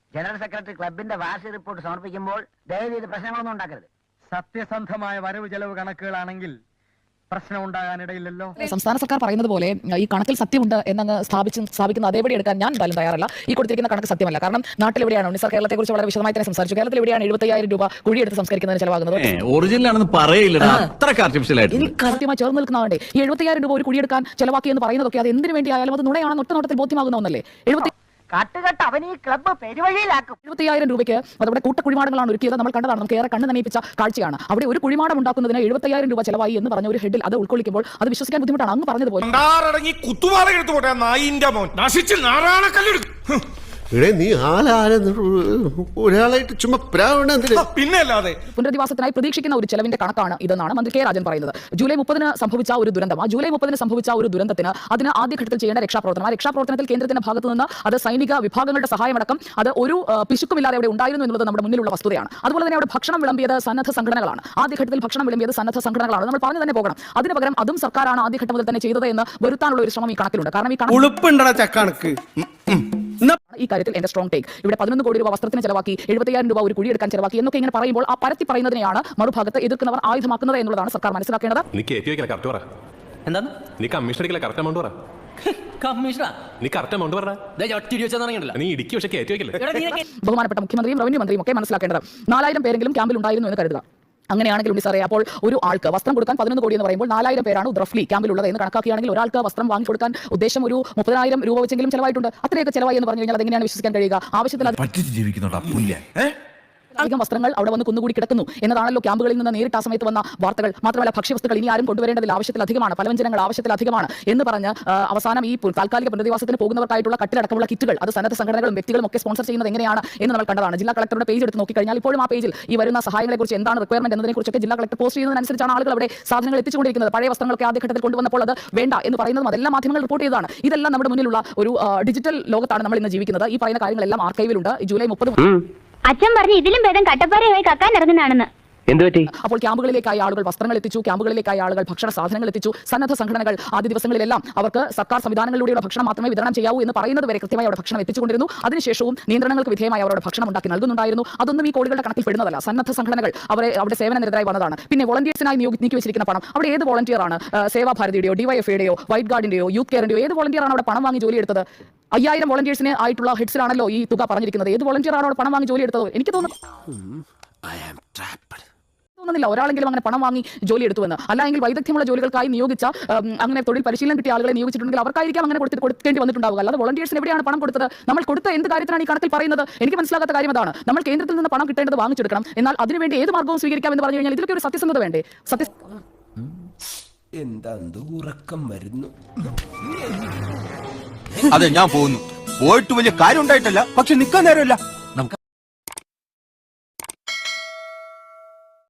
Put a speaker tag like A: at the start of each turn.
A: General secretary ക്ലബിന്റെ വാർഷിക report സമർപ്പിക്കുമ്പോൾ ദയവീത് പ്രശ്നങ്ങളൊന്നും ഉണ്ടാക്കരുത്.
B: സത്യസന്ധമായ വരവ് ചെലവ് കണക്കുകളാണെങ്കിൽ പ്രശ്നം ഉണ്ടാകാനിടയില്ലല്ലോ.
C: സംസ്ഥാന സർക്കാർ പറയുന്നത് പോലെ ഈ കണക്കിൽ സത്യമുണ്ട് എന്നങ്ങ് സ്ഥാപിക്കുന്ന അതേപടി എടുക്കാൻ ഞാൻ എന്തായാലും തയ്യാറല്ല. ഈ കൊടുത്തിരിക്കുന്ന കണക്ക് സത്യമല്ല. കാരണം നാട്ടിൽ എവിടെയാണ് ഉണ്ണി സാർ കേരളത്തെ കുറിച്ച് വളരെ വിശദമായി തന്നെ സംസാരിച്ചു. കേരളത്തിൽ എവിടെയാണ് 75,000 രൂപ കുഴിയെടുത്ത് സംസ്കരിക്കുന്നതിന് ചെലവാകുന്നത്?
D: ഒറിജിനലാണെന്ന് പറയില്ല,
C: കൃത്യമായി ചേർന്ന് നിൽക്കുന്നതാണ്ടേ. ഈ 75,000 രൂപ ഒരു കുഴിയെടുക്കാൻ ചെലവാക്കി എന്ന് പറയുന്നതൊക്കെ അത് എന്തിനു വേണ്ടിയായാലും അത് നുണയാണെന്ന് ഒറ്റ നോട്ടത്തിൽ ബോധ്യമാകുന്ന ഒന്നല്ലേ. 75,000 രൂപയ്ക്ക് അതവിടെ കൂട്ടക്കുഴിമാടങ്ങളാണ് ഒരുക്കിയത്. നമ്മൾ കണ്ടതാണ്, നമുക്ക് ഏറെ കണ്ണ് നനയിപ്പിച്ച കാഴ്ചയാണ്. അവിടെ ഒരു കുഴിമാടം ഉണ്ടാക്കുന്നതിന് 75,000 രൂപ ചെലവായി എന്ന് പറഞ്ഞ ഒരു ഹെഡിൽ അത് ഉൾക്കൊള്ളിക്കുമ്പോൾ അത് വിശ്വസിക്കാൻ ബുദ്ധിമുട്ടാണ്. അങ്ങ് പറഞ്ഞതുപോലെ
E: നീ ഒരാളായിട്ട് ചുമ്മാ പിന്നല്ലാതെ
C: പുനരധിവാസത്തിനായി പ്രതീക്ഷിക്കുന്ന ഒരു ചെലവിന്റെ കണക്കാണ് ഇതെന്നാണ് മന്ത്രി കെ രാജൻ പറയുന്നത്. ജൂലൈ 30 സംഭവിച്ച ഒരു ദുരന്തം, ആ ജൂലൈ 30 സംഭവിച്ച ഒരു ദുരന്തത്തിന് അതിന് ആദ്യഘട്ടത്തിൽ ചെയ്യേണ്ട രക്ഷാപ്രവർത്തനം, ആ രക്ഷാപ്രവർത്തനത്തിൽ കേന്ദ്രത്തിന്റെ ഭാഗത്തു നിന്ന് അത് സൈനിക വിഭാഗങ്ങളുടെ സഹായമടക്കം അത് ഒരു പിശുക്കുമില്ലാതെ അവിടെ ഉണ്ടായിരുന്നു എന്നുള്ളത് നമ്മുടെ മുന്നിലുള്ള വസ്തുതയാണ്. അതുപോലെ തന്നെ അവിടെ ഭക്ഷണം വിളമ്പിയത് സന്നദ്ധ സംഘടനകളാണ്. ആദ്യഘട്ടത്തിൽ ഭക്ഷണം വിളമ്പിയത് സന്നദ്ധ സംഘടനകളാണ്. നമ്മൾ പറഞ്ഞു തന്നെ പോകണം. അതിന് പകരം അതും സർക്കാരാണ് ആദ്യഘട്ടം മുതൽ തന്നെ ചെയ്തത് എന്ന് വരുത്താനുള്ള ഒരു ശ്രമം ഈ കണക്കിലുണ്ട്. കാരണം ഈ കാര്യത്തിൽ എന്റെ സ്ട്രോങ് ടേക്ക്. ഇവിടെ 11 കോടി രൂപ വസ്ത്രത്തിന് ചെലവാക്കി, 75,000 രൂപ ഒരു കുഴിയെടുക്കാൻ ചെലവാക്കി എന്നൊക്കെ ഇങ്ങനെ പറയുമ്പോൾ ആ പരത്തി പറയുന്നതിനെയാണ് മറുഭാഗത്ത് എതിർക്കുന്നവർ ആയുധമാക്കുന്നത് എന്നുള്ളതാണ് സർക്കാർ മനസ്സിലാക്കേണ്ടത്. ബഹുമാനപ്പെട്ട മുഖ്യമന്ത്രിയും റവന്യൂ മന്ത്രിയും ഒക്കെ മനസ്സിലാക്കേണ്ടത് 4,000 പേരെങ്കിലും ക്യാമ്പിൽ ഉണ്ടായിരുന്നു എന്ന് കരുതുക. അങ്ങനെയാണെങ്കിൽ ഉണ്ണി സാറേ, അപ്പോൾ ഒരു ആൾക്ക് വസ്ത്രം കൊടുക്കാൻ 11 കോടി എന്ന് പറയുമ്പോൾ 4,000 പേരാണ് റഫ്ലി ക്യാമ്പിലുള്ളത് എന്ന് കണക്കാക്കുകയാണെങ്കിൽ ഒരാൾക്ക് വസ്ത്രം വാങ്ങിക്കൊടുക്കാൻ ഉദ്ദേശം ഒരു 30,000 രൂപ വെച്ചെങ്കിലും ചെലവായിട്ടുണ്ട്. അത്രയൊക്കെ ചെലവായി എന്ന് പറഞ്ഞു കഴിഞ്ഞാൽ അതെങ്ങനെയാണ് വിശ്വസിക്കാൻ കഴിയുക? ആവശ്യത്തിൽ അധികം വസ്ത്രങ്ങൾ അവിടെ വന്ന് കുന്നുകൂടി കിടക്കുന്നു എന്നതാണല്ലോ ക്യാമ്പുകളിൽ നിന്ന് നേരിട്ട് ആ സമയത്ത് വന്ന വാർത്തകൾ. മാത്രമല്ല ഭക്ഷ്യവസ്തുക്കൾ ഇനി ആരും കൊണ്ടുവരേണ്ടതിൽ ആവശ്യത്തിലധികമാണ്, പലവ്യഞ്ജനങ്ങൾ ആവശ്യത്തിലധികമാണ് എന്ന് പറഞ്ഞ് അവസാനം ഈ താൽക്കാലിക പുനരധിവാസത്തിന് പോകുന്നവർക്കായിട്ടുള്ള കട്ടിലടക്കമുള്ള കിറ്റുകൾ അത് സന്നദ്ധ സംഘടനകളും വ്യക്തികളും ഒക്കെ സ്പോൺസർ ചെയ്യുന്നത് എങ്ങനെയാണ് എന്ന് നമ്മൾ കണ്ടതാണ്. ജില്ലാ കളക്ടറുടെ പേജ് എടുത്ത് നോക്കിക്കഴിഞ്ഞാൽ ഇപ്പോഴും ആ പേജിൽ ഈ വരുന്ന സഹായങ്ങളെക്കുറിച്ച് എന്താണ് റിക്വയർമെന്റ് എന്നതിനെക്കുറിച്ചൊക്കെ ജില്ലാ കളക്ടർ പോസ്റ്റ് ചെയ്യുന്നതിനനുസരിച്ചാണ് ആളുകൾ അവിടെ സാധനങ്ങൾ എത്തിച്ചുകൊണ്ടിരിക്കുന്നത്. പഴയ വസ്ത്രങ്ങളൊക്കെ ആദ്യഘട്ടത്തിൽ കൊണ്ടുവന്നപ്പോൾ അത് വേണ്ട എന്ന് പറയുന്നതും അതെല്ലാം മാധ്യമങ്ങൾ റിപ്പോർട്ട് ചെയ്തതാണ്. ഇതെല്ലാം നമ്മുടെ മുന്നിലുള്ള ഒരു ഡിജിറ്റൽ ലോകത്താണ് നമ്മൾ ഇന്ന് ജീവിക്കുന്നത്. ഈ പറയുന്ന കാര്യങ്ങളെല്ലാം ആർക്കൈവിലുണ്ട്. ജൂലൈ 30
F: അച്ഛൻ പറഞ്ഞു ഇതിലും ഭേദം കട്ടപ്പാറയായി കക്കാൻ ഇറങ്ങുന്നതാണെന്ന്.
C: അപ്പോൾ ക്യാമ്പുകളിലേക്കായി ആളുകൾ വസ്ത്രങ്ങൾ എത്തിച്ചു, ക്യാമ്പുകളിലേക്കായി ആളുകൾ ഭക്ഷണ സാധനങ്ങൾ എത്തിച്ചു. സന്നദ്ധ സംഘടനകൾ ആദ്യ ദിവസങ്ങളിലെല്ലാം അവർക്ക് സർക്കാർ സംവിധാനങ്ങളിലൂടെയുള്ള ഭക്ഷണം മാത്രമേ വിതരണം ചെയ്യാവൂ എന്ന് പറയുന്നത് വരെ കൃത്യമായി അവിടെ ഭക്ഷണം എത്തിച്ചുകൊണ്ടിരുന്നു. അതിനുശേഷവും നിയന്ത്രണങ്ങൾക്ക് വിധേയമായി അവരുടെ ഭക്ഷണം ഉണ്ടാക്കി നൽകുന്നുണ്ടായിരുന്നു. അതൊന്നും ഈ കോടികളുടെ കണക്കിൽ പെടുന്നതല്ല. സന്നദ്ധ സംഘടനകൾ അവിടെ സേവന നിരതരായി വന്നതാണ്. പിന്നെ വോളണ്ടിയേഴ്സിനായി നീക്കി വെച്ചിരിക്കുന്ന പണം അവിടെ ഏത് വോളണ്ടിയർ ആണ്? സേവാഭാരതിയുടെയോ ഡിവൈഎഫ്ഐയുടെയോ വൈറ്റ് ഗാർഡിന്റെയോ യൂത്ത് കെയറിന്റെയോ ഏത് വോളണ്ടിയർ ആണ് അവിടെ പണം വാങ്ങി ജോലി എടുത്തത്? 5,000 വോളണ്ടിയേഴ്സിന് ആയിട്ടുള്ള ഹെഡ്സിലാണല്ലോ ഈ തുക പറഞ്ഞിരിക്കുന്നത്. ഏത് വോളണ്ടിയർ ആണ് അവിടെ പണം വാങ്ങി ജോലി എടുത്തത്? എനിക്ക് തോന്നുന്നില്ല ഒരാളെങ്കിലും അങ്ങനെ പണം വാങ്ങി ജോലി എടുത്തുവെന്ന്. അല്ലെങ്കിൽ വൈദഗ്ധ്യമുള്ള ജോലികൾക്കായി നിയോഗിച്ച അങ്ങനെ തൊഴിൽ പരിശീലനം കിട്ടിയ ആളുകളെ നിയോഗിച്ചിട്ടുണ്ടെങ്കിൽ അവർക്കായിരിക്കും അങ്ങനെ കൊടുക്കേണ്ടി വന്നിട്ടുണ്ടാവുക. അല്ലാതെ വോളണ്ടിയേഴ്സിന് എവിടെയാണ് പണം കൊടുത്തത്? നമ്മൾ കൊടുത്ത എന്ത് കാര്യത്തിനാണ് ഈ കണക്കിൽ പറയുന്നത്? എനിക്ക് മനസ്സിലാകാത്ത കാര്യം അതാണ്. നമ്മൾ കേന്ദ്രത്തിൽ നിന്ന് പണം കിട്ടേണ്ടത് വാങ്ങിച്ചെടുക്കണം, എന്നാൽ അതിനുവേണ്ടി ഏത് മാർഗവും സ്വീകരിക്കാം എന്ന് പറഞ്ഞു കഴിഞ്ഞാൽ ഇതിലൊക്കെ ഒരു സത്യസന്ധത വേണ്ടേ?
E: എന്താ ഉറക്കം വരുന്നു?
G: അതെ, ഞാൻ പോകുന്നു. പോയിട്ട് വലിയ കാര്യം ഉണ്ടായിട്ടല്ല, പക്ഷെ നിൽക്കാൻ നേരമില്ല.